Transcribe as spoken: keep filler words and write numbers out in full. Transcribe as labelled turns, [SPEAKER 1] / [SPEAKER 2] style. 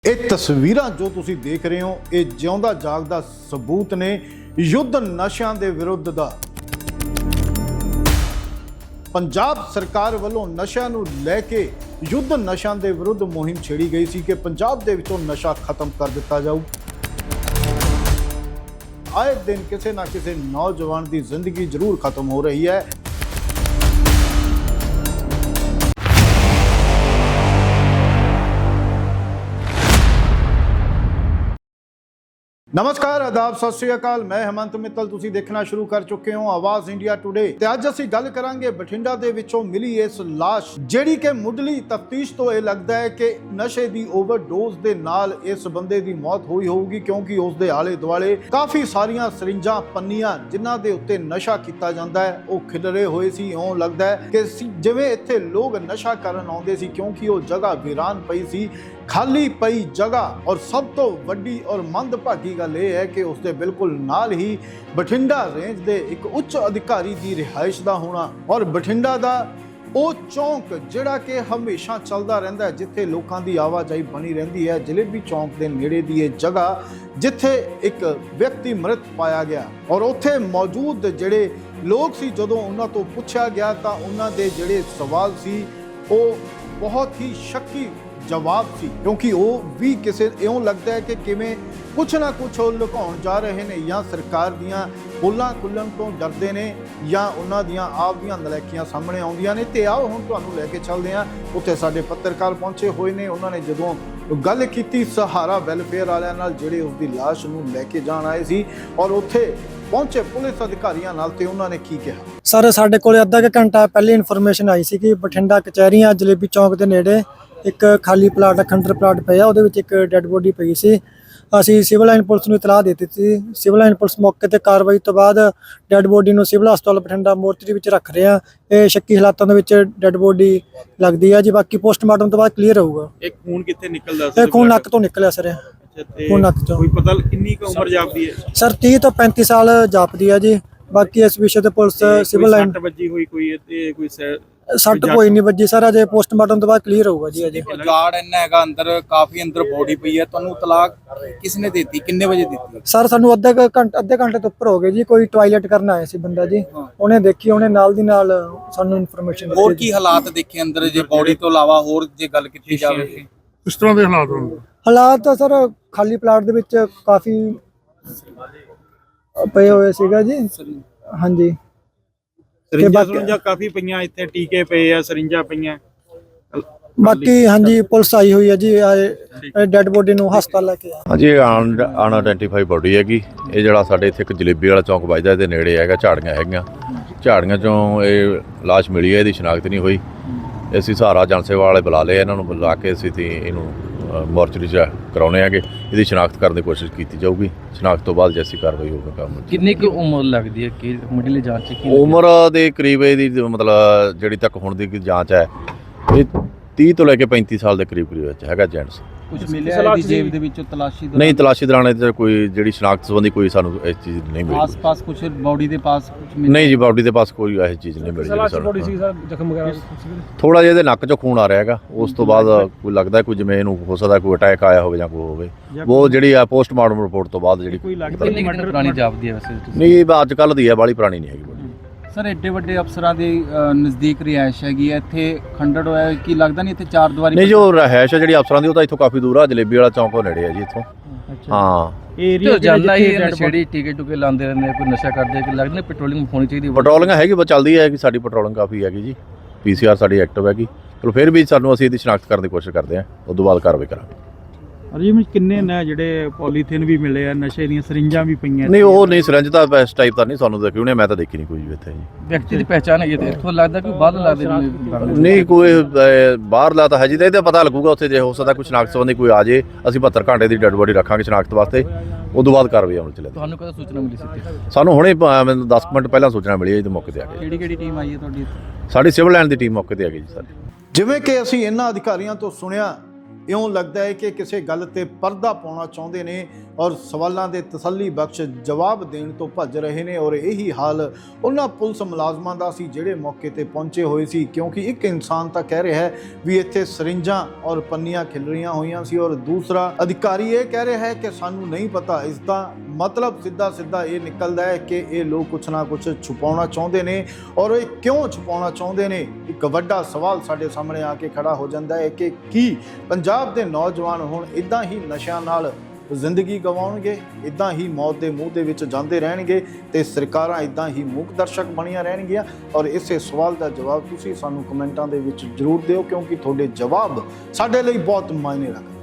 [SPEAKER 1] ਇਹ ਤਸਵੀਰਾਂ ਜੋ ਤੁਸੀਂ ਦੇਖ ਰਹੇ ਹੋ ਇਹ ਜਿਉਂਦਾ ਜਾਗਦਾ ਸਬੂਤ ਨੇ ਯੁੱਧ ਨਸ਼ਿਆਂ ਦੇ ਵਿਰੁੱਧ ਦਾ। ਪੰਜਾਬ ਸਰਕਾਰ ਵੱਲੋਂ ਨਸ਼ਿਆਂ ਨੂੰ ਲੈ ਕੇ ਯੁੱਧ ਨਸ਼ਿਆਂ ਦੇ ਵਿਰੁੱਧ ਮੁਹਿੰਮ ਛੇੜੀ ਗਈ ਸੀ ਕਿ ਪੰਜਾਬ ਦੇ ਵਿੱਚੋਂ ਨਸ਼ਾ ਖਤਮ ਕਰ ਦਿੱਤਾ ਜਾਊ। ਆਏ ਦਿਨ ਕਿਸੇ ਨਾ ਕਿਸੇ ਨੌਜਵਾਨ ਦੀ ਜ਼ਿੰਦਗੀ ਜ਼ਰੂਰ ਖਤਮ ਹੋ ਰਹੀ ਹੈ। नमस्कार आदाब सत श्री अकाल मैं हेमंत मित्तल तुसी देखना शुरू कर चुके हो आवाज इंडिया टुडे ते अज असीं गल करांगे बठिंडा दे विचों मिली इस लाश जिहड़ी कि मुढली तफ्तीश तो यह लगता है कि नशे की ओवरडोज दे नाल इस बंदे की मौत हुई होगी क्योंकि उसके आले दुआले काफ़ी सारियां सरिंजां पन्नियां जिन्हां दे उत्ते नशा किया जाता है वो खिलरे हुए सी। इउं लगता है कि जिवें इत्थे लोग नशा करन आउंदे सी क्योंकि वो जगह वीरान पई सी खाली पई जगह। और सब तो वड्डी और मंदभागी गल यह है कि उसके बिल्कुल नाल ही बठिंडा रेंज के एक उच्च अधिकारी की रिहाइश का होना और बठिंडा का वो चौंक जिहड़ा कि हमेशा चलता रहता है जिथे लोगों की आवाजाही बनी रहती है। जलेबी चौंक के नेड़े की यह जगह जिथे एक व्यक्ति मृत पाया गया और उत्थे मौजूद जिहड़े लोग सी जदों उन्हां तो पुछया गया तो उन्हां दे जिहड़े सवाल सी वो बहुत ही शक्की जवाब सी क्योंकि वो भी किसी इउं लगता है कि किवें कुछ ना कुछ लुकाउण जा रहे हैं या सरकार दियां पोलां खुल्लण तो डरदे ने या उन्हां दियां आप दियां नलैकियां सामने आउंदियां ने। ते आओ हुण तुहानूं लैके चलदे हां उत्थे साडे पत्रकार पहुंचे होए ने। उन्हां ने जदों गल कीती सहारा वैलफेयर वालियां नाल जिहड़े उसदी लाश नूं लैके जाण आए सी और उत्थे पहुंचे पुलिस अधिकारियों नाल ते उन्होंने की कहा।
[SPEAKER 2] सर साडे कोल अद्धा क घंटा पहले इन्फॉर्मेशन आई सी कि बठिंडा कचहरियां जलेबी चौक के नेड़े एक खाली प्लाट खंडर प्लाट पिया ਉਹਦੇ ਵਿੱਚ ਇੱਕ ਡੈੱਡ ਬੋਡੀ ਪਈ ਸੀ। ਅਸੀਂ ਸਿਵਲ ਲਾਈਨ ਪੁਲਿਸ ਨੂੰ ਇਤਲਾਹ ਦੇ ਦਿੱਤੀ ਸੀ। ਸਿਵਲ ਲਾਈਨ ਪੁਲਿਸ ਮੌਕੇ ਤੇ ਕਾਰਵਾਈ ਤੋਂ ਬਾਅਦ ਡੈੱਡ ਬੋਡੀ ਨੂੰ ਸਿਵਲ ਹਸਪਤਾਲ ਬਠਿੰਡਾ ਮੋਰਚਰੀ ਵਿੱਚ ਰੱਖ ਰਹੇ ਆ। ਇਹ ਸ਼ੱਕੀ ਹਾਲਾਤਾਂ ਦੇ ਵਿੱਚ ਡੈੱਡ ਬੋਡੀ ਲੱਗਦੀ ਆ ਜੀ। ਬਾਕੀ ਪੋਸਟਮਾਰਟਮ ਤੋਂ ਬਾਅਦ ਕਲੀਅਰ ਹੋਊਗਾ।
[SPEAKER 3] ਇਹ ਖੂਨ ਕਿੱਥੇ ਨਿਕਲਦਾ ਸੀ?
[SPEAKER 2] ਇਹ ਖੂਨ ਨੱਕ ਤੋਂ ਨਿਕਲਿਆ ਸਰ। ਖੂਨ ਨੱਕ ਤੋਂ।
[SPEAKER 3] ਕੋਈ ਪਤਾ ਕਿੰਨੀ ਕੁ ਉਮਰ ਜਾਪਦੀ ਹੈ
[SPEAKER 2] ਸਰ? ਤੀਹ ਤੋਂ ਪੈਂਤੀ ਸਾਲ ਜਾਪਦੀ ਆ ਜੀ। ਬਾਕੀ ਇਸ ਵਿਸ਼ੇ ਤੇ ਪੁਲਿਸ ਸਿਵਲ ਲਾਈਨ
[SPEAKER 3] ਵੱਜੀ ਹੋਈ ਕੋਈ ਤੇ ਕੋਈ
[SPEAKER 2] ਸੱਟ ਕੋਈ ਨਹੀਂ ਵੱਜੀ ਸਰ। ਅਜੇ ਪੋਸਟਮਾਰਟਮ ਤੋਂ ਬਾਅਦ ਕਲੀਅਰ ਹੋਊਗਾ ਜੀ। ਅਜੇ
[SPEAKER 4] ਗਾਰਡ ਇੰਨਾ ਹੈਗਾ ਅੰਦਰ, ਕਾਫੀ ਅੰਦਰ ਬੋਡੀ ਪਈ ਹੈ। ਤੁਹਾਨੂੰ ਤਲਾਕ ਕਿਸ ਨੇ ਦਿੱਤੀ? ਕਿੰਨੇ ਵਜੇ ਦਿੱਤੀ?
[SPEAKER 2] ਸਰ ਸਾਨੂੰ ਅੱਧੇ ਘੰਟੇ ਅੱਧੇ ਘੰਟੇ ਤੋਂ ਉੱਪਰ ਹੋ ਗਏ ਜੀ। ਕੋਈ ਟਾਇਲਟ ਕਰਨ ਆਇਆ ਸੀ ਬੰਦਾ ਜੀ, ਉਹਨੇ ਦੇਖੀ, ਉਹਨੇ ਨਾਲ ਦੀ ਨਾਲ ਸਾਨੂੰ ਇਨਫੋਰਮੇਸ਼ਨ ਦਿੱਤੀ।
[SPEAKER 4] ਹੋਰ ਕੀ ਹਾਲਾਤ ਦੇਖੇ ਅੰਦਰ ਜੇ ਬੋਡੀ ਤੋਂ ਇਲਾਵਾ ਹੋਰ ਜੇ ਗੱਲ ਕੀਤੀ ਜਾਵੇ
[SPEAKER 3] ਇਸ ਤਰ੍ਹਾਂ ਦੇ ਹਾਲਾਤ ਹੋਣ?
[SPEAKER 2] ਹਾਲਾਤ ਤਾਂ ਸਰ ਖਾਲੀ ਪਲਾਟ ਦੇ ਵਿੱਚ ਕਾਫੀ ਪਏ ਹੋਏ ਸੀਗਾ ਜੀ। ਹਾਂਜੀ
[SPEAKER 3] ਸਰਿੰਜਾਂ ਸੁਰਿੰਜਾਂ ਕਾਫੀ ਪਈਆਂ ਇੱਥੇ, ਟੀਕੇ ਪਏ ਆ, ਸਰਿੰਜਾਂ ਪਈਆਂ
[SPEAKER 2] ਬਾਕੀ। ਹਾਂਜੀ ਪੁਲਿਸ ਆਈ ਹੋਈ ਹੈ ਜੀ। ਡੈੱਡ ਬੋਡੀ ਨੂੰ ਹਸਪਤਾਲ ਲੈ ਕੇ ਆ।
[SPEAKER 5] ਹਾਂਜੀ ਅਨਆਇਡੈਂਟੀਫਾਈ ਬੋਡੀ ਹੈਗੀ। ਇਹ ਜਿਹੜਾ ਸਾਡੇ ਇੱਥੇ ਇੱਕ ਜਲੇਬੀ ਵਾਲਾ ਚੌਂਕ ਵੱਜਦਾ ਇਹਦੇ ਨੇੜੇ ਹੈਗਾ, ਝਾੜੀਆਂ ਹੈਗੀਆਂ। ਝਾੜੀਆਂ ਚੋਂ ਇਹ ਲਾਸ਼ ਮਿਲੀ ਹੈ। ਇਹਦੀ ਸ਼ਨਾਖਤ ਨਹੀਂ ਹੋਈ। ਅਸੀਂ ਸਹਾਰਾ ਜਨ ਸੇਵਾ ਵਾਲੇ ਬੁਲਾ ਲਏ, ਇਹਨਾਂ ਨੂੰ ਬੁਲਾ ਕੇ ਅਸੀਂ ਤੇ ਇਹਨੂੰ ਮੋਰਚਰੀ 'ਚ ਕਰਾਉਣੇ ਹੈਗੇ। ਇਹਦੀ ਸ਼ਨਾਖਤ ਕਰਨ ਦੀ ਕੋਸ਼ਿਸ਼ ਕੀਤੀ ਜਾਊਗੀ। ਸ਼ਨਾਖਤ ਤੋਂ ਬਾਅਦ ਜੈਸੀ ਕਾਰਵਾਈ ਹੋਊਗੀ ਕੰਮ।
[SPEAKER 6] ਕਿੰਨੀ ਕੁ ਉਮਰ ਲੱਗਦੀ ਹੈ ਕਿ ਮੁੱਢਲੀ ਜਾਂਚ 'ਚ?
[SPEAKER 5] ਉਮਰ ਦੇ ਕਰੀਬ ਇਹਦੀ ਮਤਲਬ ਜਿਹੜੀ ਤੱਕ ਹੁਣ ਦੀ ਜਾਂਚ ਹੈ ਇਹ ਤੀਹ ਤੋਂ ਲੈ ਕੇ ਪੈਂਤੀ ਸਾਲ ਦੇ ਕਰੀਬ ਕਰੀਬ ਵਿੱਚ ਹੈਗਾ ਜੈਂਟਸ।
[SPEAKER 6] ਕੁਝ ਮਿਲਿਆ ਇਹਦੀ ਜੇਬ ਦੇ ਵਿੱਚੋਂ ਤਲਾਸ਼ੀ ਦੌਰਾਨ?
[SPEAKER 5] ਨਹੀਂ, ਤਲਾਸ਼ੀ ਦੌਰਾਨ ਇਹਦੇ ਕੋਈ ਜਿਹੜੀ ਸ਼ਨਾਖਤ ਸੰਬੰਧੀ ਕੋਈ ਸਾਨੂੰ ਇਸ ਚੀਜ਼ ਨਹੀਂ ਮਿਲੀ।
[SPEAKER 6] ਆਸ-ਪਾਸ ਕੁਝ ਬੋਡੀ ਦੇ ਪਾਸ ਕੁਝ ਮਿਲਿਆ?
[SPEAKER 5] ਨਹੀਂ ਜੀ, ਬੋਡੀ ਦੇ ਪਾਸ ਕੋਈ ਇਹੋ ਚੀਜ਼ ਨਹੀਂ ਮਿਲੀ ਸਾਨੂੰ। ਥੋੜਾ ਜਿਹਾ ਇਹਦੇ ਨੱਕ 'ਚੋਂ ਖੂਨ ਆ ਰਿਹਾ ਹੈਗਾ। ਉਸ ਤੋਂ ਬਾਅਦ ਕੋਈ ਲੱਗਦਾ ਕੋਈ ਜਿਵੇਂ ਇਹਨੂੰ ਹੋ ਸਕਦਾ ਕੋਈ ਅਟੈਕ ਆਇਆ ਹੋਵੇ ਜਾਂ ਕੋਈ ਹੋਵੇ। ਉਹ ਜਿਹੜੀ ਆ ਪੋਸਟਮਾਰਟਮ ਰਿਪੋਰਟ ਤੋਂ ਬਾਅਦ ਜਿਹੜੀ
[SPEAKER 6] ਕੋਈ ਲੱਗਦਾ ਕਿੰਨੀ ਪੁਰਾਣੀ ਜਾਪਦੀ ਹੈ ਵੈਸੇ?
[SPEAKER 5] ਨਹੀਂ, ਅੱਜ ਕੱਲ੍ਹ ਦੀ ਹੈ, ਬਾਹਲੀ ਪੁਰਾਣੀ ਨਹੀਂ ਹੈਗੀ ਬੋਡੀ।
[SPEAKER 6] ਸਰ ਐਡੇ ਵੱਡੇ ਅਫਸਰਾਂ ਦੇ ਨਜ਼ਦੀਕ ਰਿਹਾਇਸ਼ ਹੈਗੀ ਹੈ, ਇੱਥੇ ਖੰਡੜ ਹੋਇਆ ਕੀ ਲੱਗਦਾ ਨਹੀਂ ਇੱਥੇ ਚਾਰ ਦੀਵਾਰੀ? ਨਹੀਂ,
[SPEAKER 5] ਜੋ ਰਿਹਾਇਸ਼ ਹੈ ਜਿਹੜੀ ਅਫਸਰਾਂ ਦੀ ਉਹ ਤਾਂ ਇੱਥੋਂ ਕਾਫੀ ਦੂਰ ਆ। ਜਲੇਬੀ ਵਾਲਾ ਚੌਂਕ ਉਹ ਨੇੜੇ ਹੈ ਜੀ ਇੱਥੋਂ। ਹਾਂ,
[SPEAKER 6] ਏਰੀਆ ਜਾਂਦਾ ਹੀ ਨਸ਼ੇੜੀ ਟਿਕਟ ਟੁਕੇ ਲਾਉਂਦੇ ਰਹਿੰਦੇ ਆ, ਕੋਈ ਨਸ਼ਾ ਕਰਦੇ ਕਿ ਲੱਗਦਾ ਪੈਟਰੋਲਿੰਗ ਹੋਣੀ ਚਾਹੀਦੀ?
[SPEAKER 5] ਪੈਟਰੋਲਿੰਗ ਹੈਗੀ, ਬਸ ਚੱਲਦੀ ਹੈ ਕਿ ਸਾਡੀ ਪੈਟਰੋਲਿੰਗ ਕਾਫੀ ਹੈਗੀ ਜੀ। ਪੀ ਸੀ ਆਰ ਸਾਡੀ ਐਕਟਿਵ ਹੈਗੀ। ਚਲੋ ਫਿਰ ਵੀ ਸਾਨੂੰ ਅਸੀਂ ਇਹਦੀ ਸ਼ਨਾਖਤ ਕਰਨ ਦੀ ਕੋਸ਼ਿਸ਼ ਕਰਦੇ ਹਾਂ, ਉਸ ਤੋਂ ਬਾਅਦ ਕਾਰਵਾਈ ਕਰਾਂਗੇ।
[SPEAKER 3] ਅਜੇ ਕਿੰਨੇ ਨੇ ਜਿਹੜੇ ਪੋਲੀਥੀਨ ਵੀ ਮਿਲੇ ਆ, ਨਸ਼ੇ ਦੀਆਂ ਸਰਿੰਜਾਂ ਵੀ ਪਈਆਂ?
[SPEAKER 5] ਨਹੀਂ, ਉਹ ਨਹੀਂ, ਸਿਰੰਜ ਤਾਂ ਇਸ ਟਾਈਪ ਤਾਂ ਨਹੀਂ ਸਾਨੂੰ ਦੇਖੀ ਉਹਨੇ, ਮੈਂ ਤਾਂ ਦੇਖੀ ਨਹੀਂ ਕੋਈ ਵੀ ਇੱਥੇ ਜੀ।
[SPEAKER 6] ਵਿਅਕਤੀ ਦੀ ਪਹਿਚਾਣ ਹੈਗੀ ਤੇ ਇੱਥੋਂ ਲੱਗਦਾ ਕਿ ਬਾਹਰ ਲੱਗਦਾ
[SPEAKER 5] ਨਹੀਂ, ਕੋਈ ਬਾਹਰ ਲਾ ਤਾਂ ਹੈ ਜੀ। ਤਾਂ ਇਹਦਾ ਪਤਾ ਲੱਗੂਗਾ ਉੱਥੇ ਜੇ ਹੋ ਸਕਦਾ ਕੋਈ ਸ਼ਨਾਖਤ ਸੰਬੰਧੀ ਕੋਈ ਆ ਜੇ। ਅਸੀਂ ਬਹੱਤਰ ਘੰਟੇ ਦੀ ਡੈੱਡ ਬੋਡੀ ਰੱਖਾਂਗੇ ਸ਼ਨਾਖਤ ਵਾਸਤੇ, ਉਸ ਤੋਂ ਬਾਅਦ ਕਾਰਵਾਈ ਅਮਲ 'ਚ ਲੈ।
[SPEAKER 6] ਤੁਹਾਨੂੰ ਕਦੋਂ ਸੂਚਨਾ ਮਿਲੀ ਸੀ?
[SPEAKER 5] ਸਾਨੂੰ ਹੁਣੇ ਮੈਨੂੰ ਦਸ ਮਿੰਟ ਪਹਿਲਾਂ ਸੂਚਨਾ ਮਿਲੀ ਹੈ ਜੀ, ਮੌਕੇ ਤੇ ਆ ਗਏ।
[SPEAKER 6] ਕਿਹੜੀ ਕਿਹੜੀ ਟੀਮ ਆਈ ਹੈ ਤੁਹਾਡੀ?
[SPEAKER 5] ਸਾਡੀ ਸਿਵਲ ਲਾਈਨ ਦੀ ਟੀਮ ਮੌਕੇ ਤੇ ਆ ਗਈ ਜੀ ਸਾਡੀ।
[SPEAKER 1] ਜਿਵੇਂ ਕਿ ਅਸੀਂ ਇਹਨਾਂ ਅਧਿਕਾਰੀਆਂ ਤੋਂ ਸੁਣਿਆ ਇਉਂ ਲੱਗਦਾ ਹੈ ਕਿ ਕਿਸੇ ਗੱਲ ਤੇ ਪਰਦਾ ਪਾਉਣਾ ਚਾਹੁੰਦੇ ਨੇ ਔਰ ਸਵਾਲਾਂ ਦੇ ਤਸੱਲੀ ਬਖਸ਼ ਜਵਾਬ ਦੇਣ ਤੋਂ ਭੱਜ ਰਹੇ ਨੇ। ਔਰ ਇਹੀ ਹਾਲ ਉਹਨਾਂ ਪੁਲਿਸ ਮੁਲਾਜ਼ਮਾਂ ਦਾ ਸੀ ਜਿਹੜੇ ਮੌਕੇ ਤੇ ਪਹੁੰਚੇ ਹੋਏ ਸੀ, ਕਿਉਂਕਿ ਇੱਕ ਇਨਸਾਨ ਤਾਂ ਕਹਿ ਰਿਹਾ ਹੈ ਵੀ ਇੱਥੇ ਸਰਿੰਜਾਂ ਔਰ ਪੰਨੀਆਂ ਖਿਲਰੀਆਂ ਹੋਈਆਂ ਸੀ ਔਰ ਦੂਸਰਾ ਅਧਿਕਾਰੀ ਇਹ ਕਹਿ ਰਿਹਾ ਹੈ ਕਿ ਸਾਨੂੰ ਨਹੀਂ ਪਤਾ। ਇਸ ਦਾ ਮਤਲਬ ਸਿੱਧਾ ਸਿੱਧਾ ਇਹ ਨਿਕਲਦਾ ਹੈ ਕਿ ਇਹ ਲੋਕ ਕੁਛ ਨਾ ਕੁਛ ਛੁਪਾਉਣਾ ਚਾਹੁੰਦੇ ਨੇ। ਔਰ ਇਹ ਕਿਉਂ ਛੁਪਾਉਣਾ ਚਾਹੁੰਦੇ ਨੇ, ਇੱਕ ਵੱਡਾ ਸਵਾਲ ਸਾਡੇ ਸਾਹਮਣੇ ਆ ਕੇ ਖੜਾ ਹੋ ਜਾਂਦਾ ਹੈ ਕਿ ਕੀ ਪੰਜਾਬ ਦੇ ਨੌਜਵਾਨ ਹੁਣ ਇਦਾਂ ਹੀ ਨਸ਼ਿਆਂ ਨਾਲ ਜ਼ਿੰਦਗੀ ਗਵਾਉਣਗੇ, ਇਦਾਂ ਹੀ ਮੌਤ ਦੇ ਮੂੰਹ ਦੇ ਵਿੱਚ ਜਾਂਦੇ ਰਹਿਣਗੇ ਤੇ ਸਰਕਾਰਾਂ ਇਦਾਂ ਹੀ ਮੂਕ ਦਰਸ਼ਕ ਬਣੀਆਂ ਰਹਿਣਗੀਆਂ? ਔਰ ਇਸੇ ਸਵਾਲ ਦਾ ਜਵਾਬ ਤੁਸੀਂ ਸਾਨੂੰ ਕਮੈਂਟਾਂ ਦੇ ਵਿੱਚ ਜ਼ਰੂਰ ਦਿਓ, ਕਿਉਂਕਿ ਤੁਹਾਡੇ ਜਵਾਬ ਸਾਡੇ ਲਈ ਬਹੁਤ ਮਾਇਨੇ ਰੱਖਦੇ।